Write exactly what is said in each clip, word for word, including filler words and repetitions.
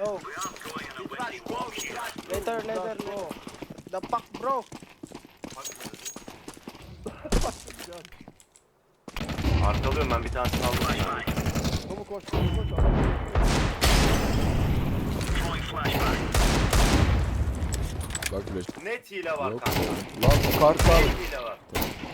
Go. Later, later, bro. The fuck, bro. Arkalıyorum ben bir tanesini aldım. Komu koş koş koş. Bak flash. Net hile var Yok. kanka. Lan o kart abi. Net hile var.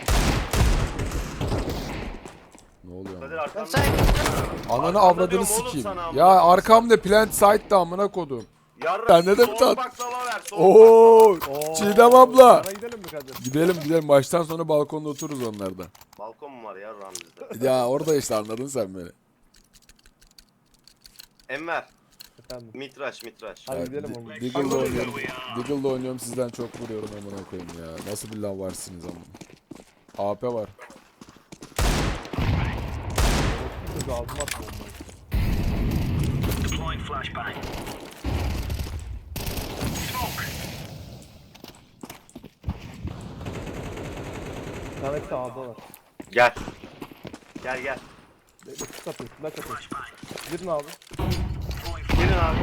Ne oluyor Kadir ama? arkamda. Sen Ananı Arkanda avradını diyorum oğlum sikeyim. sana amına Ya koyayım. arkamda plant site'da amına kodum. Yarra. Sen ne de mi soğuk tat- baklava ver. Soğuk Oo, Oo, Çiğdem abla. Sana gidelim mi Kadir? Gidelim gidelim maçtan sonra balkonda otururuz onlarda. baklava. Balkon mu var yarram bizde? Ya orada işte anladın sen beni. Enver. Efendim. Mitraş mitraş. Hadi Ya, gidelim Di- oğlum. Deagle'da oynuyorum. Deagle'da oynuyorum sizden çok vuruyorum amına koyayım ya. Nasıl bir lav varsınız amına. A P var. Kız ağzıma attı bombayı. Bir tane sağdalar. Gel. Gel gel. Flash atıyor, flash atıyor. Girin abi. Gelin abi.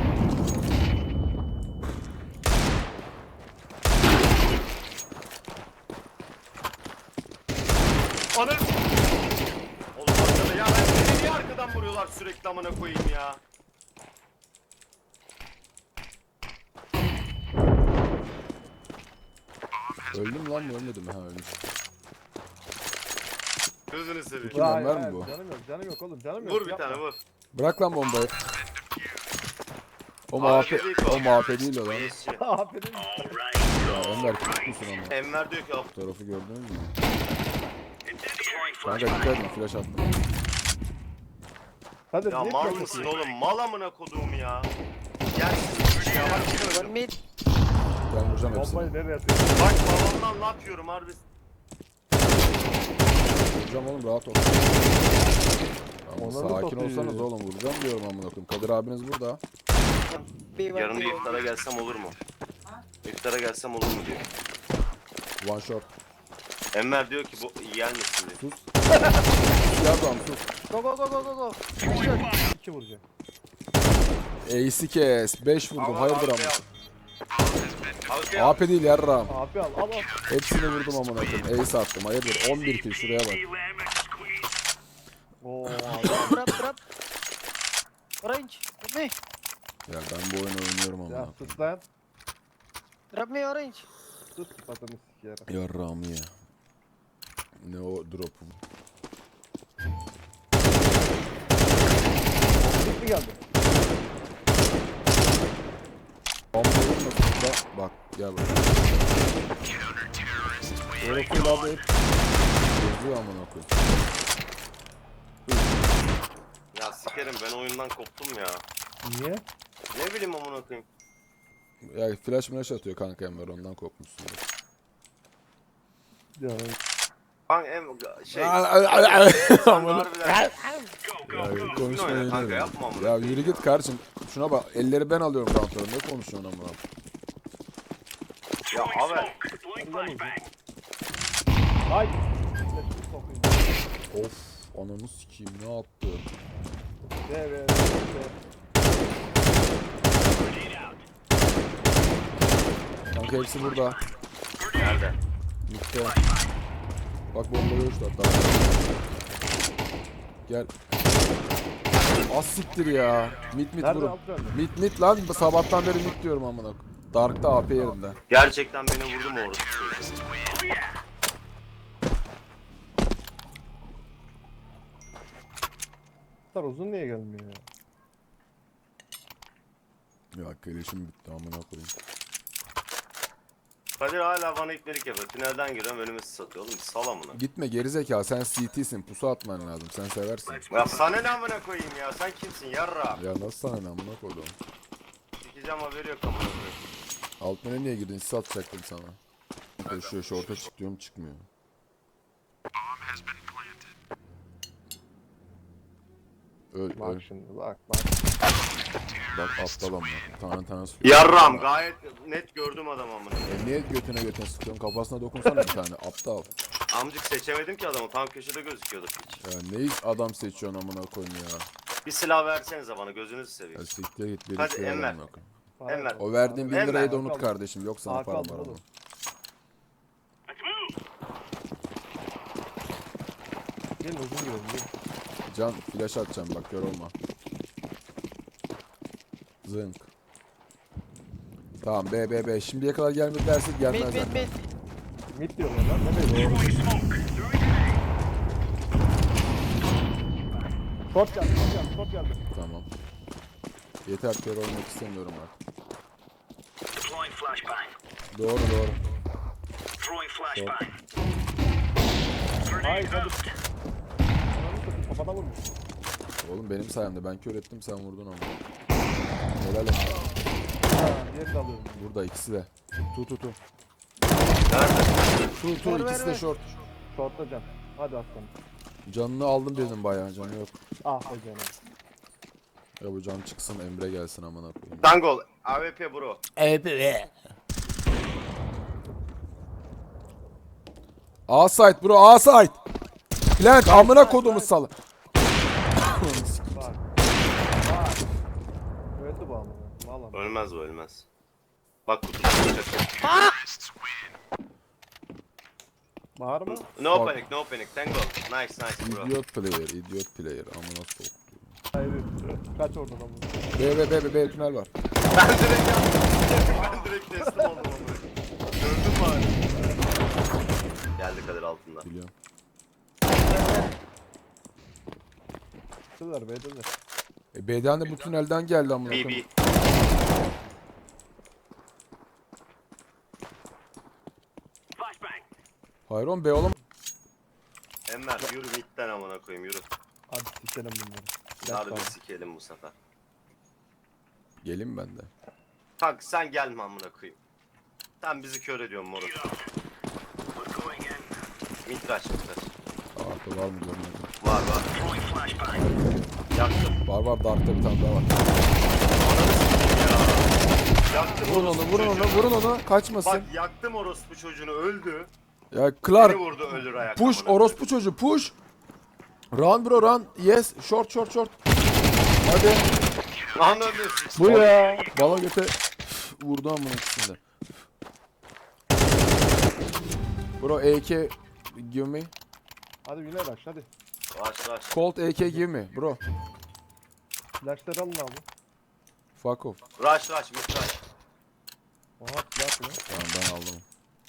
Anı. Oğlum arkada ya ben beni niye arkadan vuruyorlar sürekli amına koyayım ya. Öldüm lan mı ölmedim mi? Ha ölmüş. Gözünü seveyim. Kim lan, Hayır, var mı hayır, bu? Canım yok, canım yok oğlum, canım yok. Vur bir yapma. tane vur. Bırak lan bombayı. O Abi muhabbet, değil o. o muhabbet değil o lan. Yesçi. Aferin. Ya Enver küçük müsün ama? Enver diyor ki "Ab- Bu tarafı gördün mü? Kanka dikkat edin flash attım. Hadi ya niye mal flash mısın atıyor? oğlum mal amına koduğum ya. Gel ya bak şimdi one mid. Ben vuracağım hepsini. Bombayı nereye atıyor? bak babamdan laf yiyorum harbi. Vuracağım oğlum rahat ol. Tamam, Onları da sakin topluyor. olsanız oğlum vuracağım diyorum amına koyayım. Kadir abiniz burada. B one, Yarın B bir one. iftara gelsem olur mu? İftara gelsem olur mu diyor. One shot. Enver diyor ki bu gelmesin diyor. Sus. Ya tamam sus. Go, go, go, go, go, go. İki vuracak. Ace'i kes. beş vurdum. Al, Hayırdır al, ama. al. Al, al. A P değil yarram. Abi al, al al. Hepsini vurdum amına koyayım. Ace attım. Hayırdır. on bir kill şuraya bak. Oo abi. Drop, drop. Orange, drop me. Ya ben bu oyunu oynuyorum amına Ya koyayım. sus lan. Drop me orange. Sus patını sikerim. Yarram ya. Ne o drop'u. Dik mi geldi? Bomba vurmasın da bak gel bak. Orası abi hep geziyor amına koyayım. Ya sikerim ben oyundan koptum ya. Niye? Ne bileyim amına koyayım. Ya flash flash atıyor kanka Enver ondan kopmuşsun. Ya Bak em şey. Amına. sen harbiden- Ya Oyna konuşma kanka, yemin yapma amına Ya yürü git kardeşim. Şuna bak elleri ben alıyorum kontrolü. Ne konuşuyorsun amına? Ya abi. ay. Flash'ı sokayım. Of ananı sikeyim ne yaptı? De be. de. Kanka hepsi burada. Nerede? Mitte. Bak bombayı uçtu hatta. Gel. Az siktir ya. Mit mit Nerede vurun. alt önde? Mit mit lan sabahtan beri mit diyorum amına. Dark'ta A P yerinde. Gerçekten beni vurdu mu orası? Star uzun niye gelmiyor ya? Ya keleşim bitti amına koyayım. Kadir hala bana ipnelik yapıyor. Tünelden giriyorum önümü satıyor. Oğlum sal amına. Gitme gerizekalı sen C T'sin pusu atman lazım sen seversin. Ya sana ne amına koyayım ya? Sen kimsin yarra? Ya nasıl sana ne amına koydum. Sikeceğim haberi yok amına koyayım. Altmana niye girdin sis atacaktım sana. Koşuyor şorta çık diyorum çıkmıyor. Öl öl. Bak şimdi bak bak. Bak aptal ama. Tane tane su. Yarram gayet net gördüm adam amına. E niye götüne götüne sıkıyorsun? Kafasına dokunsana bir tane aptal. Amcık seçemedim ki adamı. Tam köşede gözüküyordu piç. Ya neyi adam seçiyorsun amına koyayım ya. Bir silah versenize bana gözünüzü seveyim. Ya siktir git. Hadi biriktir Enver. amına koyayım. Para Enver. yok. O verdiğin bin Enver. lirayı da unut Hakan. kardeşim. Yok sana Hakan, param var ama. oğlum. Gelin uzun girelim. Gelin. Can flash atacağım bak yorulma. Zınk. Tamam B B B. Şimdiye kadar gelmedi dersek Mid gelmez mid zaten. mid. Mid diyorlar lan. Ne böyle? Short geldi. Short geldi. Short geldi. Tamam. Yeter kör olmak istemiyorum artık. Deploying flashbang. Doğru doğru. Throwing flashbang. Hayır Grenade hadi. out. Ananı satayım kafana vurmuş. Oğlum benim sayemde ben kör ettim sen vurdun ama. Helal olsun. Ha diğerini de alıyorum. Burada ikisi de. Tu tu tu. Nerede? Tu tu Ver, ikisi ver, de ver. short. Short'ta can. Hadi aslanım. Canını aldım dedim bayağı canı yok. Ah be canım. Ya bu can çıksın Emre gelsin amına koyayım. Dangol. A W P bro. A site bro A site. Plant amına kodumu salı. Bak. Bak. Öldü bu amına. Valla. Ölmez bu ölmez. Bak kutuya çıkacak. Bağırma. No Bak. panic no panic. Tango. Nice nice bro. Idiot player, idiot player. Amına sok. Hayır. Kaç oradan amına. B B B B B tünel var. Ben direkt yaptım. Ben direkt teslim oldum onu. Gördün mü abi? Geldi Kadir altından. Biliyorum. Şuradalar B'deler. E B'den de bu tünelden geldi amına B koyayım. B. Flashbang. Hayır oğlum B oğlum. Enver yürü midden amına koyayım yürü. Hadi sikelim bunları. Harbi Gel sikelim bu sefer. Gelin ben de. Kanka sen gelme amına koyayım. Sen bizi kör ediyorsun moruk. We're going in. Mitraş mitraş. Arka var mı görmedim. Var var. Throwing flashbang. Yaktım. Var var Dark'ta bir tane daha var. Yaktım Vurun onu orospu vurun onu çocuğunu. vurun onu kaçmasın. Bak yaktım orospu çocuğunu öldü. Ya Beni Clark vurdu ölür ayak. push amına orospu çocuğu push. Run bro run. Yes short short short. Hadi. koyayım. Anladın. Bu ya. Bala göte vurdu amına ikisinde. Bro A K give me. Hadi yine rush hadi. Baş baş. Colt A K give me bro. Flashları alın abi. Fuck off. Rush rush mitraş. Oha silah mı? Tamam ben aldım.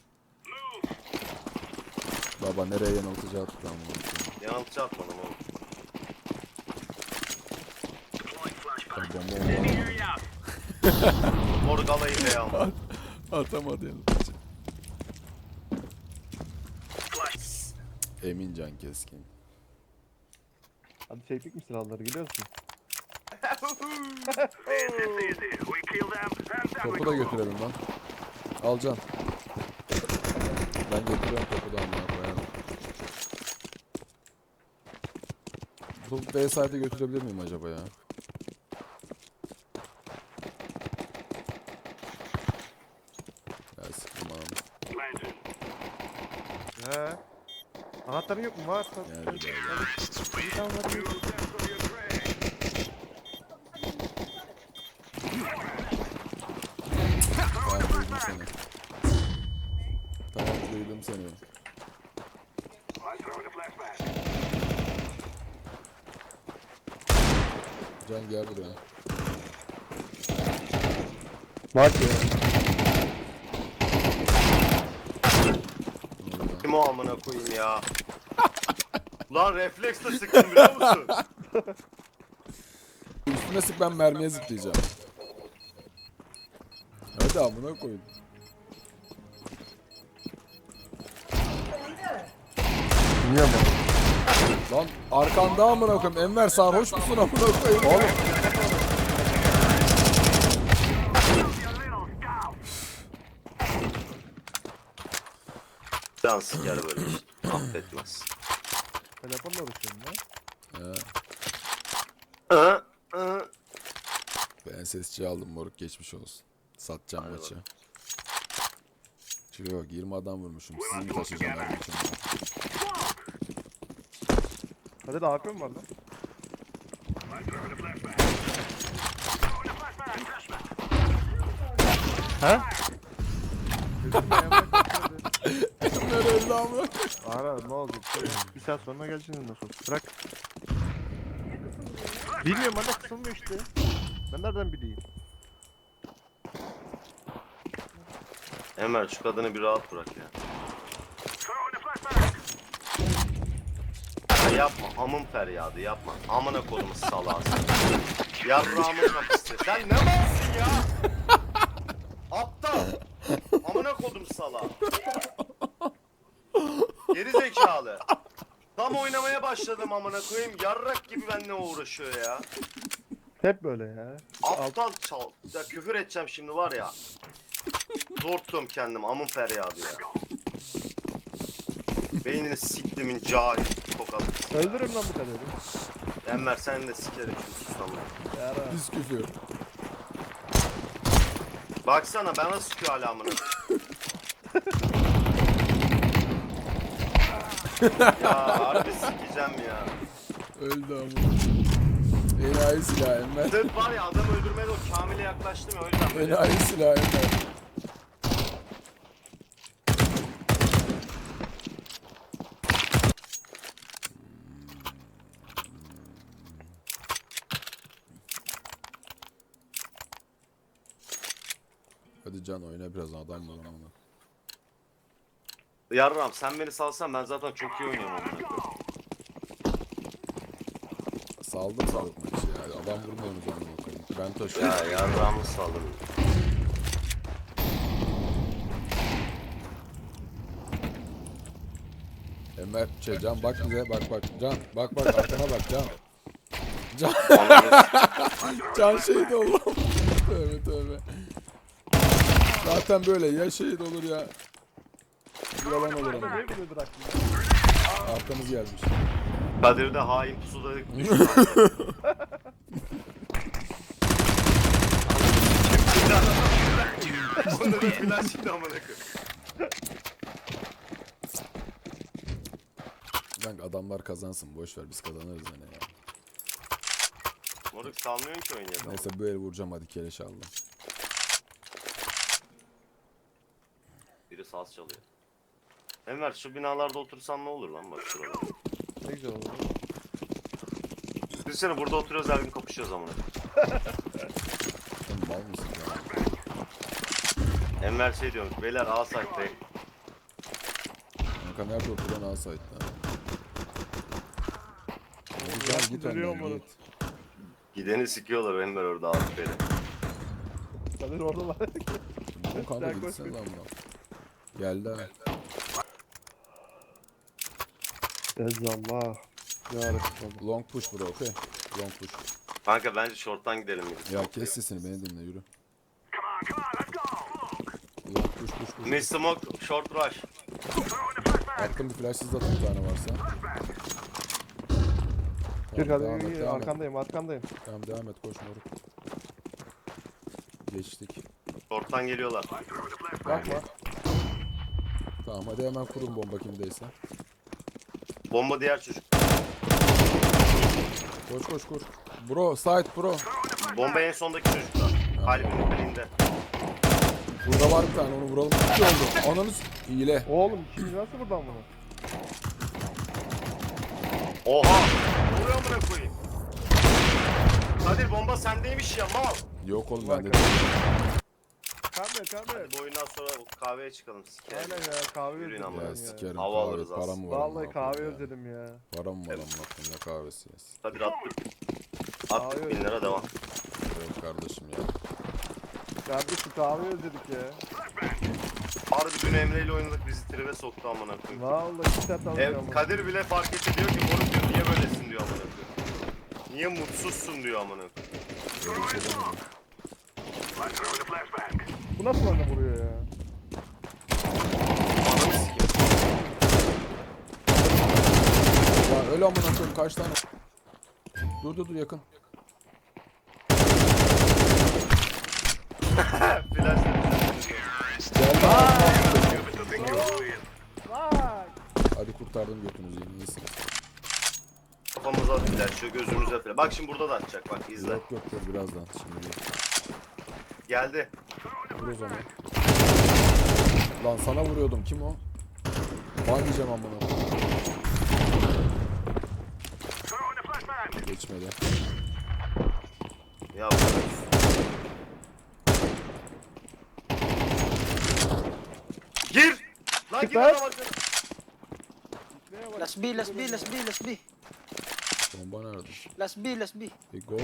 Baba nereye yanıltıcı attık lan bunu? Yanıltıcı atmadım oğlum. Deploying flashbang. Ben bomba oldu. Area. Moruk alayı be ama. Atamadı yanıltıcı. Flash. Emin Can Keskin. Hadi çektik mi silahları gidiyorsun? Easy, easy. We kill them, and then we Topu da go. götürelim lan. Al Can. Ben götürüyorum topu da amına koyarım. Bu B side'e götürebilir miyim acaba ya? Ya sıkım abi. Planted. He. Anahtarın yok mu? Var. Geldi geldi. Bir tane var. We will settle your prey. Tamam duydum seni. Tamam duydum seni. I'm throwing a flashbang. Can gel buraya. Bak ya. Ne oluyor? Kim o amına koyayım ya. Lan refleksle sıktım biliyor musun? Üstüne sık ben mermiye zıplayacağım. Hadi amına koyun. Niye mi? Lan arkanda amına koyayım. Enver sarhoş musun amına koyayım? Oğlum. Can siker böyle bir şey. Affetmez. Telefonla uğraşıyorum ya. Ya, Hı, hı. ben sesçi aldım moruk geçmiş olsun. Satacağım Hadi maçı. Şuraya bak yirmi adam vurmuşum. Sizi mi taşıyacağım her maçımda? Hadi de A K mı var lan? Ha? Dedim ya, Emre kaçmadı. Emre öldü ama. Ara ne olacak? Bir saat sonra geleceksin nasıl olsa. Bırak. Bilmiyorum bana kısılmıyor işte. Ben nereden bileyim? Enver şu kadını bir rahat bırak ya. Ya yapma amın feryadı yapma. Amına kolumu salarsın. Yarrağımın kapısı. Sen ne malsın ya? Aptal. Amına kodum sala. Geri zekalı. Tam oynamaya başladım amına koyayım. Yarrak gibi benimle uğraşıyor ya. Hep böyle ya. Aptal çal. Ya küfür edeceğim şimdi var ya. Zor tutuyorum kendim amın feryadı ya. Beynini siktimin cahil tokalı. Öldürürüm lan bu kadını. Enver sen de sikerim şu susamı. Yara. Biz küfür. Baksana bana sıkıyor hala amına. Ya harbi sikeceğim ya. Öldü ama. Enayi silah Emre. Sırf var ya adam öldürmedi o Kamil'e yaklaştım ya o yüzden böyle. Enayi silah Emre. Hadi Can oyna biraz adam var ama. Yarram sen beni salsan ben zaten çok iyi oynuyorum amına koyayım. Saldım saldım maçı ya. Adam vurmuyoruz onu bakayım. Ben taşıyorum. Ya yarramı saldım. Enver şey Can bak bize bak bak Can bak bak arkana bak Can. Can Can şehit oldu. Tövbe tövbe. Zaten böyle ya şehit olur ya. Yalan olur ama. Ne biliyordur aklında? Arkamız gelmiş. Kadir de hain pusuda düştü. Onu da flash şimdi amına koyayım. Kanka adamlar kazansın boş ver biz kazanırız yine ya. Moruk salmıyorsun ki oyunu ya. Neyse bu el vuracağım hadi keleş aldım. Biri saz çalıyor. Enver şu binalarda otursan ne olur lan bak şurada. Ne güzel oldu. Düşünsene burada oturuyoruz her gün kapışıyoruz amına. Sen mal mısın ya? Enver şey diyormuş beyler A site'dayım. Kanka nerede oturan alsaydı lan? Güzel git Duruyor önden mu? git. Gideni sikiyorlar Enver orada abi beni. Kadir orada var. Bu kanka Sen gitsene koş. lan lan. Geldi ha. Ezzallah. Ya Resulallah. Long push bro okey. Long push. Kanka bence short'tan gidelim. Ya kes sesini beni dinle yürü. Long push push push. Miss Smoke short rush. Attım bir flashsız atın bir tane varsa. Bir Tamam, devam et, Kadir devam et. arkandayım arkandayım. Tamam devam et koş moruk. Geçtik. Short'tan geliyorlar. Bakma. Tamam hadi hemen kurun bomba kimdeyse. Bomba diğer çocuk. Koş koş koş. Bro side bro. Bomba en sondaki çocukta. Kalbinin birinde. Burada var bir tane onu vuralım. İki oldu. Ananı s- hile. Oğlum şimdi nasıl buradan bunu? Oha! Ne oluyor amına koyayım? Kadir bomba sendeymiş ya mal. Yok oğlum Bak. bende. Kamber kamber. Hadi bu oyundan sonra kahveye çıkalım. Sikerim. Aynen ya kahve Yürüyün özledim ama. ben Ya ya. sikerim Hava kahve. alırız Param aslında. mı var? Vallahi amına kahve koyayım ya? özledim ya. Param mı var amına koyayım, ne kahvesi yes. Kadir attık. Attık Abi. bin lira devam. Yok kardeşim ya. Kardeşim kahve özledik ya. Harbi dün Emre ile oynadık bizi tribe soktu amına koyayım. Vallahi iki saat alacağım. Ev, Kadir bile fark etti diyor ki moruk diyor niye böylesin diyor amına koyayım. Niye mutsuzsun diyor amına koyayım. Böyle bir şey demedim. Bu nasıl bana vuruyor ya? Ananı sikeyim. Ya öyle amına koyayım kaç tane. Dur dur dur yakın. Flash Geldi. Bak. Hadi kurtardım götünüzü yine iyisiniz. kafamıza attılar açıyor gözümüze falan. Bak şimdi burada da atacak bak izle. Yok yok dur birazdan. Şimdi değil. Geldi. Vur o zaman. Lan sana vuruyordum. Kim o? Ban diyeceğim amına. Throwing a flashbang. Geçmedi. Ya gir! Lan gir Süper. adam arkana. Last B, last B, last B, last B. Bomba nerede? Last B, last B. Bir gol.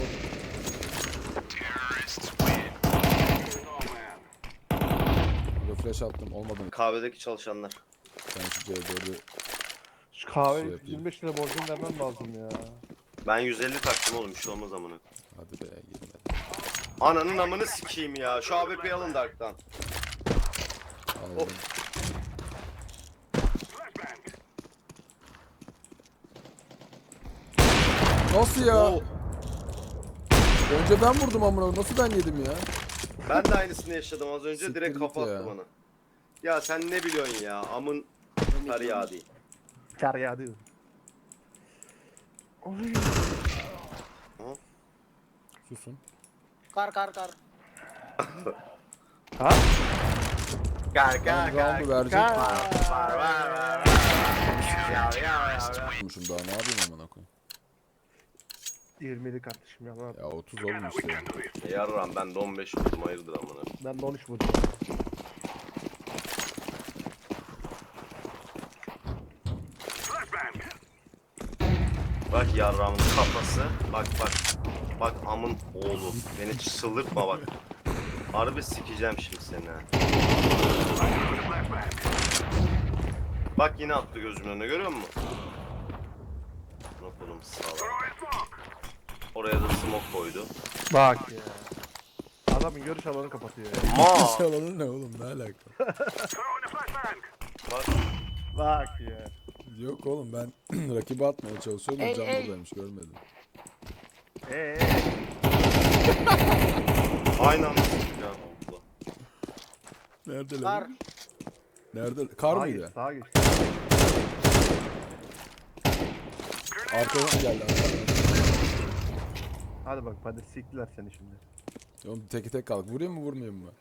Burada flash attım. Olmadı. Kahvedeki çalışanlar. Ben şu C dördü Şu kahve Şey yapayım. yirmi beş lira borcunu vermem lazım ya. Ben yüz elli taktım oğlum bir şey olmaz amına. hadi be girmedi. Ananın amını sikeyim ya. Şu A W P'yi alın Dark'tan. Aldım. Nasıl ya? Oo, Önce ben vurdum amına. Nasıl ben yedim ya? ben de aynısını yaşadım az önce Siktir direkt git kafa attı ya. bana. Ya sen ne biliyorsun ya amın kar yağ değil. Kar yağdı. Oy. Susun. Car, car, car. Ha? Kar Ben roundu verecek. Kar. Var var var. Ya ya ya. Vurmuşum daha ne yapayım amına koyayım. yirmili kardeşim ya. Lan. Ya otuz olmuş ya. Yarram ben de on beş vurdum hayırdır amına. Ben de on üç vurdum. Flashbang. Bak yarramın kafası. Bak bak. Bak amın oğlu. Beni çıldırtma bak. Harbi sikeceğim şimdi seni ha. Bak yine attı gözümün önüne görüyor musun? Oğlum sağ ol. Oraya da smoke koydu. Bak ya. Adamın görüş alanını kapatıyor ya. Ma. Çalanın ne oğlum ne alaka? Throwing a flashbang. Bak Bak ya. Yok oğlum ben rakibe atmaya çalışıyordum. Ey, Can ey. buradaymış görmedim. Eee. aynı anda sikeceğim oldu. Nerede Car. lan? Nerede? Kar Sağa mıydı? geç, sağa geç. Arkadan geldi arkadan. Hadi bak hadi siktiler seni şimdi. Oğlum teki tek kalk. Vurayım mı vurmayayım mı?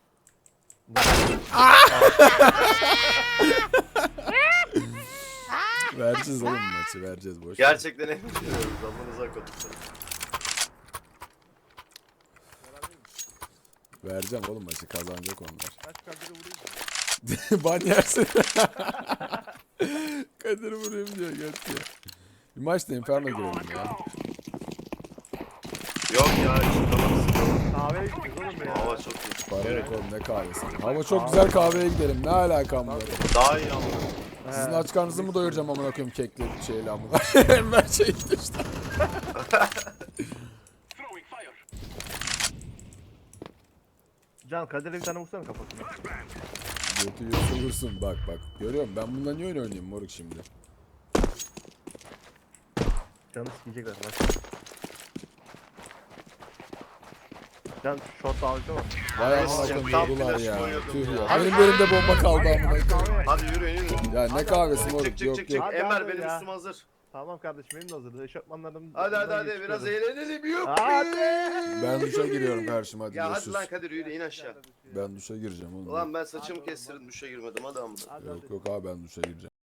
Vereceğiz oğlum maçı vereceğiz boş. ver. Gerçekten en biliyoruz. Amanıza koydum. Vereceğim oğlum maçı kazanacak onlar. Kaç kaderi vurayım. Ban yersin. Kadir vurayım diyor göt ya. Bir maçta Inferno girelim ya. Yok ya çıkamaz. Kahveye gideceğiz oğlum ya. Hava çok iyi. Para yok oğlum ne kahvesi. Hava çok güzel kahveye gidelim. Ne alakam var? Daha iyi ama. Sizin aç karnınızı mı doyuracağım amına koyayım kekli şeyle amına. Ben şey işte. Throwing fire. Can Kadir'e bir tane vursana kafasına. Götü yutulursun bak bak. Görüyorum ben bundan niye oyun oynayayım moruk şimdi. Canı sikecekler bak. Can short ağacı var. Vay amına Tam koyayım yordular flash ya. koyuyordum Tüh ya. ya. Benim elimde bomba kaldı amına koyayım. Hadi yürü yürü. Ya ne kahvesi Çık moruk çık çık yok çık. yok. Hadi, Enver hadi benim ya. üstüm hazır. Tamam kardeşim benim de hazırdı. Eşofmanlarım. Hadi hadi hadi biraz eğlenelim yok. Hadi. Ben duşa giriyorum karşıma hadi Ya hadi görüşürüz. lan Kadir yürü in aşağı. Ben duşa gireceğim oğlum. Ulan ben saçımı kestirdim duşa girmedim hadi amına. Hadi Yok hadi. yok abi ben duşa gireceğim.